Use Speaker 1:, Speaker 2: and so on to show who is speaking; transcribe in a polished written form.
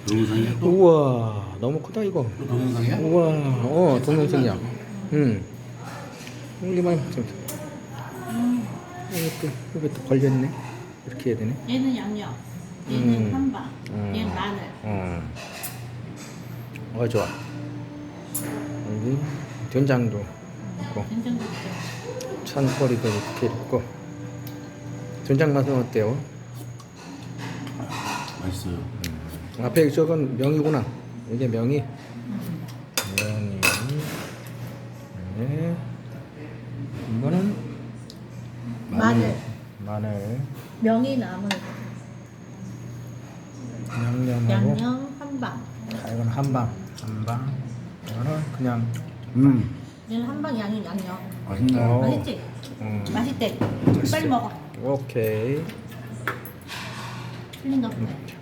Speaker 1: 동영상이야 또?
Speaker 2: 우와 너무 크다 이거.
Speaker 1: 또 동영상이야?
Speaker 2: 우와 동영상이야. 이게 많이 먹자. 이것도 걸렸네. 이렇게 해야 되네.
Speaker 3: 얘는 양념, 얘는 한방, 얘는 마늘.
Speaker 2: 좋아. 여기 된장도 있고
Speaker 3: 된장도 있죠.
Speaker 2: 찬거리도 이렇게 있고. 된장 맛은 어때요?
Speaker 1: 맛있어요.
Speaker 2: 앞에 저건 명이구나. 이게 명이. 명이. 네. 이거는
Speaker 3: 마늘,
Speaker 2: 마늘.
Speaker 3: 명이 나물,
Speaker 2: 양념하고.
Speaker 3: 양념, 한방.
Speaker 2: 이건 한방. 이거는 그냥.
Speaker 3: 얘는 한방 양념, 양념.
Speaker 1: 맛있나요?
Speaker 3: 맛있지? 맛있대. 빨리 먹어.
Speaker 2: 오케이.
Speaker 3: 틀린 거 없네.